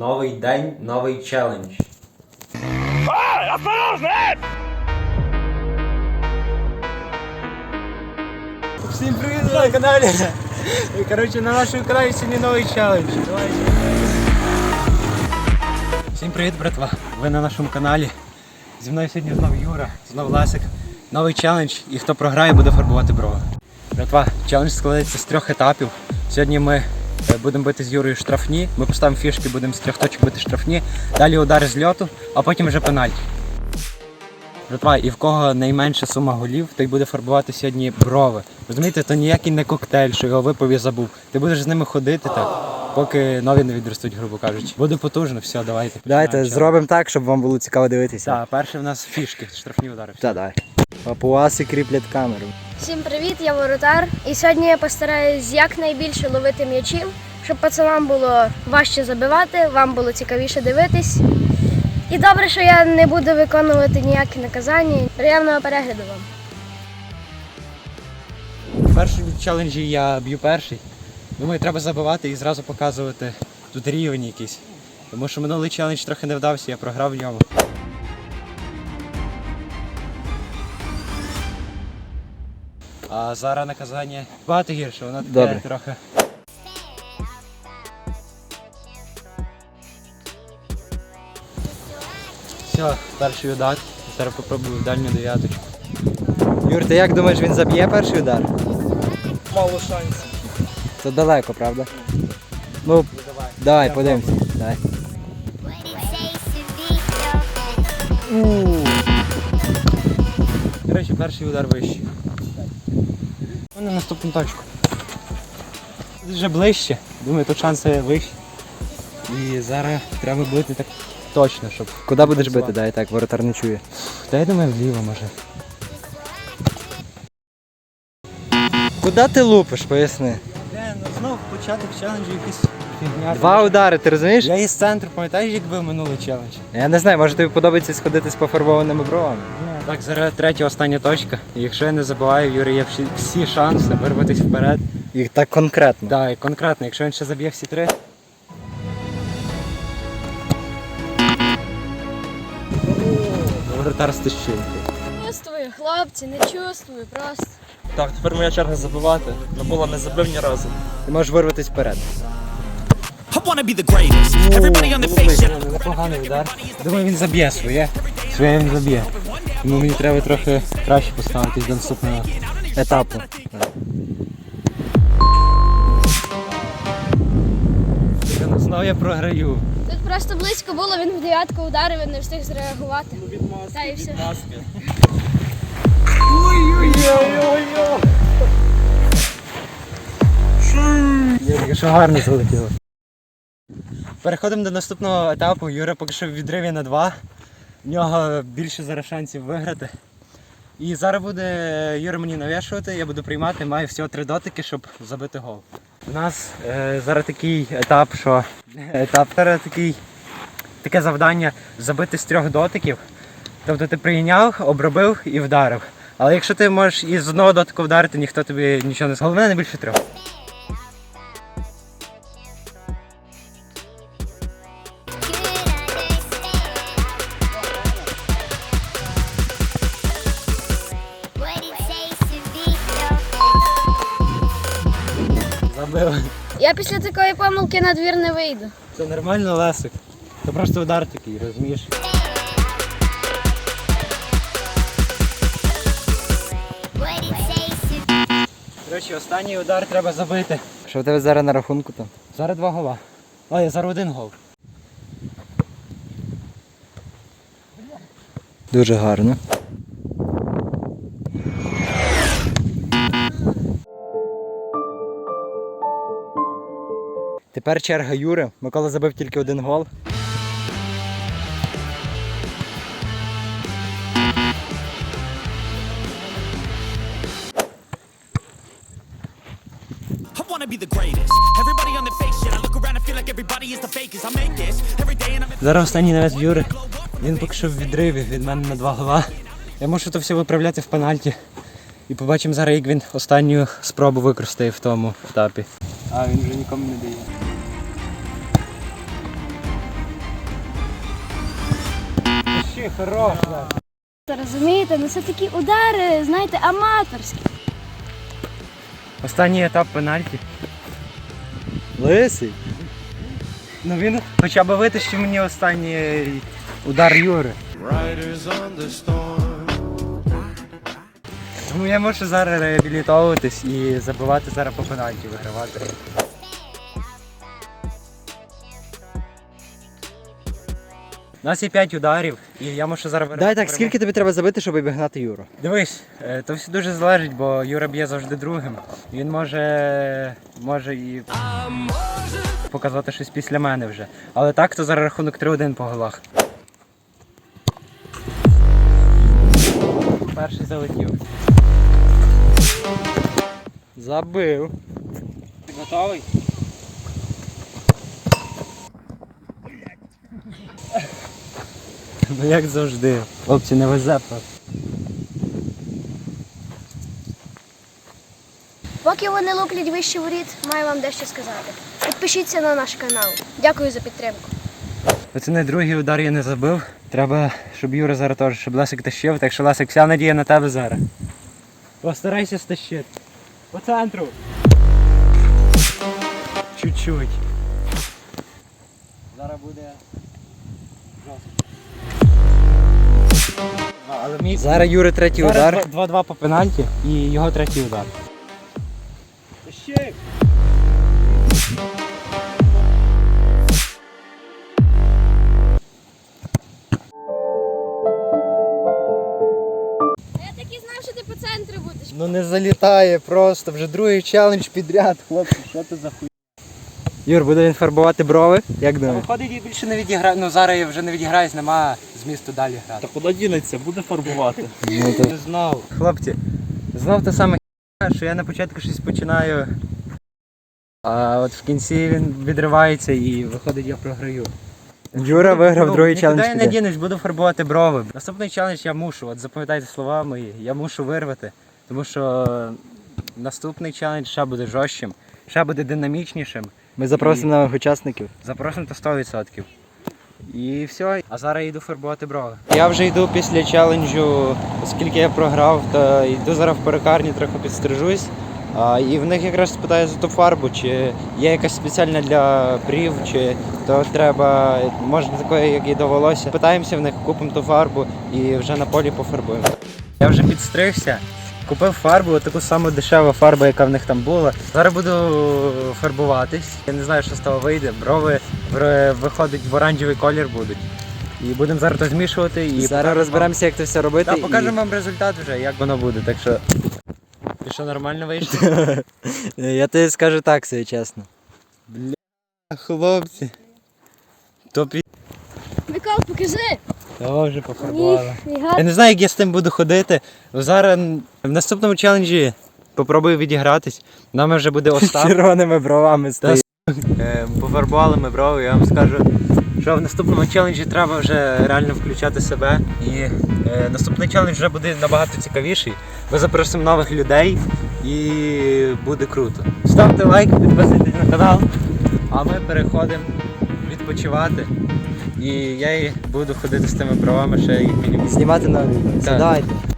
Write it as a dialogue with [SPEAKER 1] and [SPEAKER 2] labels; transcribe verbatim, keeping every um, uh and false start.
[SPEAKER 1] Новий день, новий челендж.
[SPEAKER 2] Всім привіт на каналі! Коротше, на нашому каналі сьогодні новий челендж. Всім привіт, братва! Ви на нашому каналі. Зі мною сьогодні знов Юра, знов Лесик. Новий челендж, і хто програє, буде фарбувати брови. Братва, челендж складається з трьох етапів. Сьогодні ми будемо бити з Юрою штрафні, ми поставимо фішки, будемо з трьох точок бити штрафні, далі удари з льоту, а потім вже пенальті. Братва, і в кого найменша сума голів, той буде фарбувати сьогодні брови. Розумієте, то ніякий не коктейль, що його випив і забув. Ти будеш з ними ходити так, поки нові не відростуть, грубо кажучи. Буде потужно, все, давайте.
[SPEAKER 3] Давайте зробимо так, щоб вам було цікаво дивитися.
[SPEAKER 2] Так, перше в нас фішки, штрафні удари.
[SPEAKER 3] Так, давай. Папуаси кріплять камеру.
[SPEAKER 4] Всім привіт, я воротар. І сьогодні я постараюсь якнайбільше ловити м'ячів, щоб пацанам було важче забивати, вам було цікавіше дивитись. І добре, що я не буду виконувати ніякі наказання. Приємного перегляду вам.
[SPEAKER 2] В першому челенджі я б'ю перший. Думаю, треба забивати і зразу показувати тут рівень якийсь. Тому що минулий челендж трохи не вдався, я програв в ньому. А зараз наказання багато гірше, воно таке
[SPEAKER 3] Добре.
[SPEAKER 2] трохи. Все, перший удар. Зараз попробую в дальню дев'яточку.
[SPEAKER 3] Юр, ти як думаєш, він заб'є перший удар?
[SPEAKER 2] Мало шансів.
[SPEAKER 3] Це далеко, правда? Ну,
[SPEAKER 2] Давай.
[SPEAKER 3] давай, подивимося. Давай.
[SPEAKER 2] До речі, перший удар вищий. У мене наступну точку. Тут вже ближче, думаю, тут шанси вищі. І зараз треба бити так точно, щоб...
[SPEAKER 3] Куди будеш бити? Дай так, воротар не чує.
[SPEAKER 2] Та я думаю, вліво може.
[SPEAKER 3] Куди ти лупиш, поясни?
[SPEAKER 2] Не, ну знов початок челенджу якийсь фігня.
[SPEAKER 3] Два удари, ти розумієш?
[SPEAKER 2] Я із центру, пам'ятаєш, як бив минулий челендж?
[SPEAKER 3] Я не знаю, може тобі подобається сходити з пофарбованими бровами?
[SPEAKER 2] Так, зараз третя, остання точка. І якщо я не забуваю, Юрій є всі, всі шанси вирватися вперед.
[SPEAKER 3] І так конкретно.
[SPEAKER 2] Так, і конкретно, якщо він ще заб'є всі три. Воротар з тищинки.
[SPEAKER 4] Чувствую, хлопці, не чувствую, просто.
[SPEAKER 5] Так, тепер моя черга забивати. Микола не забив ні разу.
[SPEAKER 3] Ти можеш вирватися вперед.
[SPEAKER 6] I wanna be the greatest. Everybody on the face shit.
[SPEAKER 2] Непоганий удар. Думаю, він заб'є своє. Своє він заб'є. Тому мені треба трохи краще поставитись до наступного
[SPEAKER 3] Етапу.
[SPEAKER 2] Знову я програю.
[SPEAKER 4] Тут просто близько було, він в дев'ятку ударив, він не встиг зреагувати. Та і все.
[SPEAKER 2] Тільки що гарно залетіло. Переходимо до наступного етапу. Юра поки що в відриві на два. В нього більше зараз шансів виграти. І зараз буде Юра мені навішувати, я буду приймати, маю всього три дотики, щоб забити гол. У нас е, зараз такий етап, що етап зараз такий, таке завдання забити з трьох дотиків. Тобто ти прийняв, обробив і вдарив. Але якщо ти можеш із одного дотику вдарити, ніхто тобі нічого не скаже. Головне не більше трьох. Забив.
[SPEAKER 4] Я після такої помилки на двір не вийду.
[SPEAKER 2] Це нормально, Лесик. Це просто удар такий, розумієш? До речі, останній удар треба забити.
[SPEAKER 3] Що в тебе зараз на рахунку там?
[SPEAKER 2] Зараз два гола. А, я зараз один гол.
[SPEAKER 3] Дуже гарно. Тепер черга Юри. Микола забив тільки один гол.
[SPEAKER 6] I wanna be the greatest. Everybody on the face shit. I look around and feel like everybody is the fakest. I make this every day and I'm
[SPEAKER 2] Зараз останній навес Юри. Він поки що в відриві від мене на два гола. Я можу то все виправляти в пенальті. І побачимо зараз, як він останню спробу використає в тому етапі. А, він вже нікому не дає. Тащи, хорош.
[SPEAKER 4] Розумієте, ну це такі удари, знаєте, аматорські.
[SPEAKER 2] Останній етап пенальті.
[SPEAKER 3] Лисий.
[SPEAKER 2] Ну він хоча б витащив мені останній удар Юри. Тому я можу зараз реабілітовуватись і забивати зараз по пенальті, вигравати. У нас є п'ять ударів, і я можу зараз
[SPEAKER 3] Дай так, скільки тобі треба забити, щоб обігнати Юру?
[SPEAKER 2] Дивись, е, то все дуже залежить, бо Юра б'є завжди другим. Він може, може і показати щось після мене вже. Але так, то зараз рахунок три один по голах. Перший залетів.
[SPEAKER 3] Забив.
[SPEAKER 2] Ти готовий? Ну як завжди. Хлопці, не везе просто.
[SPEAKER 4] Поки вони луплять вище воріт, маю вам дещо сказати. Підпишіться на наш канал. Дякую за підтримку.
[SPEAKER 2] Оце не другий удар я не забив. Треба, щоб Юра зараз теж, щоб Лесик тащив. Так що, Лесик, вся надія на тебе зараз. Постарайся стащити. По центру. Чуть-чуть. Зараз буде жорстко. А, але мій...
[SPEAKER 3] Зараз Юри третій
[SPEAKER 2] Зараз
[SPEAKER 3] удар.
[SPEAKER 2] два-два по пенальті і його третій удар. Тащи!
[SPEAKER 4] Я так і знав, що ти по центру будеш.
[SPEAKER 3] Ну не залітає просто, вже другий челендж підряд, хлопці, що ти за хуй. Юр, буде він фарбувати брови? Як
[SPEAKER 2] Та
[SPEAKER 3] думаєш?
[SPEAKER 2] виходить, я більше не відіграю. Ну зараз я вже не відіграюсь, нема змісту далі грати.
[SPEAKER 5] Та куди дінеться, буде фарбувати.
[SPEAKER 3] Ну, то...
[SPEAKER 2] Не знав. Хлопці, знов те саме хіня, що я на початку щось починаю, а от в кінці він відривається і виходить, я програю.
[SPEAKER 3] Юра виграв
[SPEAKER 2] Ну,
[SPEAKER 3] другий
[SPEAKER 2] нікуди
[SPEAKER 3] челендж
[SPEAKER 2] я не
[SPEAKER 3] підряд.
[SPEAKER 2] дінусь, буду фарбувати брови. Наступний челендж я мушу, от запам'ятайте слова мої, я мушу вирвати, тому що наступний челендж ще буде жорстким, ще буде динамічнішим.
[SPEAKER 3] Ми запросимо нових учасників.
[SPEAKER 2] Запросимо то сто відсотків. І все. А зараз я йду фарбувати брови. Я вже йду після челенджу, оскільки я програв, то йду зараз в перукарню, трохи підстрижусь. А, і в них якраз спитаю за ту фарбу, чи є якась спеціальна для брів, чи то треба, може такої, як і до волосся. Питаємося в них, купимо ту фарбу і вже на полі пофарбуємо. Я вже підстригся. Купив фарбу, таку саму дешеву фарбу, яка в них там була. Зараз буду фарбуватись. Я не знаю, що з того вийде. Брови в- виходить в оранжевий колір будуть. І будемо зараз то змішувати. І
[SPEAKER 3] Зараз розберемося, як це все робити.
[SPEAKER 2] Та
[SPEAKER 3] і-
[SPEAKER 2] покажемо вам результат вже, як воно буде. Так що. Ти що, нормально вийшло?
[SPEAKER 3] Я тобі скажу так, все чесно.
[SPEAKER 2] Бля, хлопці. То пі...
[SPEAKER 4] Микол, покажи.
[SPEAKER 2] Того вже пофарбували.
[SPEAKER 4] Ніфіга.
[SPEAKER 2] Я не знаю, як я з тим буду ходити. Зараз в наступному челенджі попробую відігратись. Нами вже буде Остап.
[SPEAKER 3] Червоними бровами стоїть.
[SPEAKER 2] Е, Пофарбували ми брови, я вам скажу, що в наступному челенджі треба вже реально включати себе. І е, наступний челендж вже буде набагато цікавіший. Ми запросимо нових людей і буде круто. Ставте лайк, підписуйтесь на канал, а ми переходимо відпочивати. І я і буду ходити з тими бровами ще як мінімум.
[SPEAKER 3] Знімати нові відео.
[SPEAKER 2] Так.
[SPEAKER 3] Сідайте.